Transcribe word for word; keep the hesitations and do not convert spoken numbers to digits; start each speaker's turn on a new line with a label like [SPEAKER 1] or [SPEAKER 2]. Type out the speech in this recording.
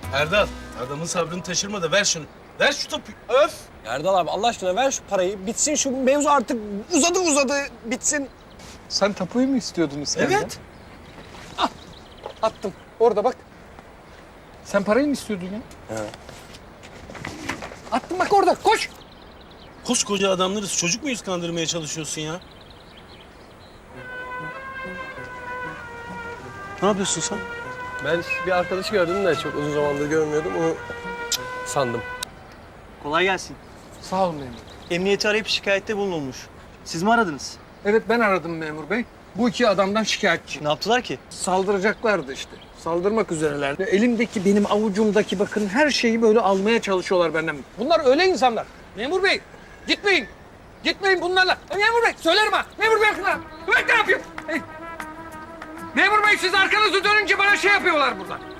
[SPEAKER 1] Erdal, adamın sabrını taşırma da ver şunu. Ver şu topu.
[SPEAKER 2] Öf! Erdal abi Allah aşkına ver şu parayı. Bitsin şu mevzu artık uzadı uzadı bitsin.
[SPEAKER 3] Sen tapuyu mu istiyordun İskender?
[SPEAKER 2] Evet.
[SPEAKER 3] Ah, attım. Orada bak. Sen parayı mı istiyordun ya?
[SPEAKER 2] He.
[SPEAKER 3] Attım bak orada. Koş.
[SPEAKER 1] Koskoca adamlarız. Çocuk muyuz kandırmaya çalışıyorsun ya? Ne yapıyorsun sen?
[SPEAKER 4] Ben bir arkadaşı gördüm de çok uzun zamandır görmüyordum. Onu sandım.
[SPEAKER 5] Kolay gelsin.
[SPEAKER 3] Sağ olun memur.
[SPEAKER 5] Emniyeti arayıp şikayette bulunulmuş. Siz mi aradınız?
[SPEAKER 3] Evet ben aradım memur bey. Bu iki adamdan şikayetçi.
[SPEAKER 5] Ne yaptılar ki?
[SPEAKER 3] Saldıracaklardı işte. Saldırmak üzerelerdi. Elimdeki, benim avucumdaki bakın her şeyi böyle almaya çalışıyorlar benden. Bunlar öyle insanlar. Memur bey, gitmeyin. Gitmeyin bunlarla. E, memur bey, söylerim ha. Memur bey arkana. Ben ne yapayım? Hey. Memur bey siz arkanızı dönünce bana şey yapıyorlar burada.